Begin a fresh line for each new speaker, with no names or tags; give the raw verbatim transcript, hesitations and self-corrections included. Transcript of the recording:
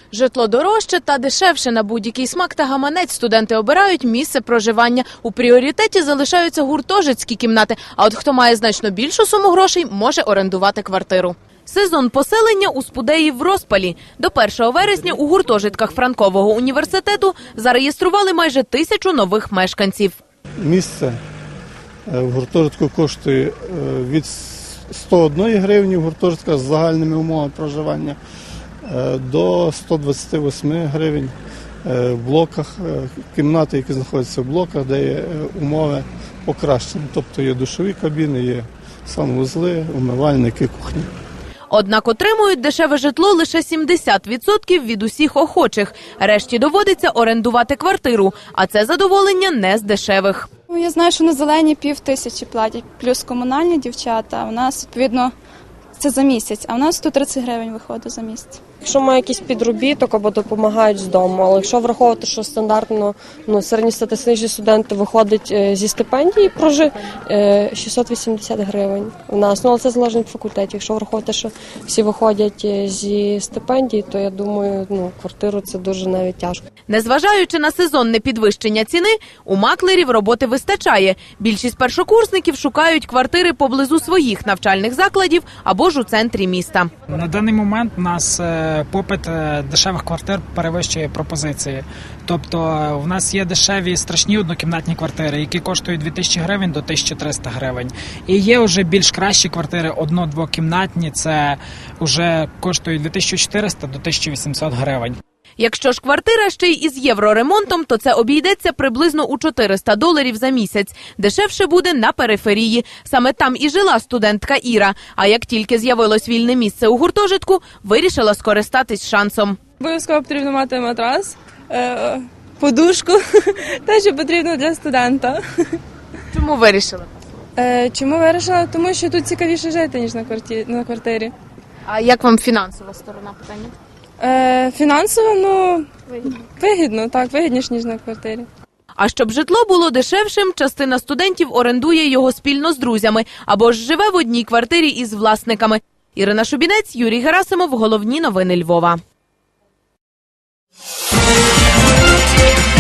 Житло дорожче та дешевше на будь-який смак та гаманець. Студенти обирають місце проживання. У пріоритеті залишаються гуртожитські кімнати, а от хто має значно більшу суму грошей, може орендувати квартиру. Сезон поселення у Спудеї в розпалі. До першого вересня у гуртожитках Франкового університету зареєстрували майже тисячу нових мешканців.
Місце в гуртожитку коштує від ста однієї гривні в гуртожитках з загальними умовами проживання до ста двадцяти восьми гривень в блоках, кімнати, які знаходяться в блоках, де є умови покращені. Тобто є душові кабіни, є санвузли, умивальники, кухні.
Однак отримують дешеве житло лише сімдесят відсотків від усіх охочих. Решті доводиться орендувати квартиру, а це задоволення не з дешевих.
Я знаю, що на зелені пів тисячі платять, плюс комунальні дівчата. У нас, відповідно, це за місяць, а у нас сто тридцять гривень виходить за місяць.
Якщо має якийсь підробіток або допомагають з дому, але якщо враховувати, що стандартно ну, середньостатистичні студенти виходять зі стипендії, прожи шістсот вісімдесят гривень у нас. Ну, але це залежить від факультетів. Якщо враховувати, що всі виходять зі стипендії, то я думаю, ну, квартиру це дуже навіть тяжко.
Незважаючи на сезонне підвищення ціни, у маклерів роботи вистачає. Більшість першокурсників шукають квартири поблизу своїх навчальних закладів або ж у центрі міста.
На даний момент у нас попит дешевих квартир перевищує пропозиції. Тобто в нас є дешеві страшні однокімнатні квартири, які коштують дві тисячі гривень до тисячі триста гривень. І є вже більш кращі квартири, одно-двокімнатні, це вже коштують від тисячі чотириста до тисячі вісімсот гривень.
Якщо ж квартира ще й із євроремонтом, то це обійдеться приблизно у чотириста доларів за місяць. Дешевше буде на периферії. Саме там і жила студентка Іра. А як тільки з'явилось вільне місце у гуртожитку, вирішила скористатись шансом.
Обов'язково потрібно мати матрас, подушку, те, що потрібно для студента.
Чому вирішила?
Чому вирішила? Тому що тут цікавіше жити, ніж на квартирі.
А як вам фінансова сторона питання?
Е, фінансово, ну, вигідно, так, вигідніше, ніж на квартирі.
А щоб житло було дешевшим, частина студентів орендує його спільно з друзями або ж живе в одній квартирі із власниками. Ірина Шубінець, Юрій Герасимов. Головні новини Львова.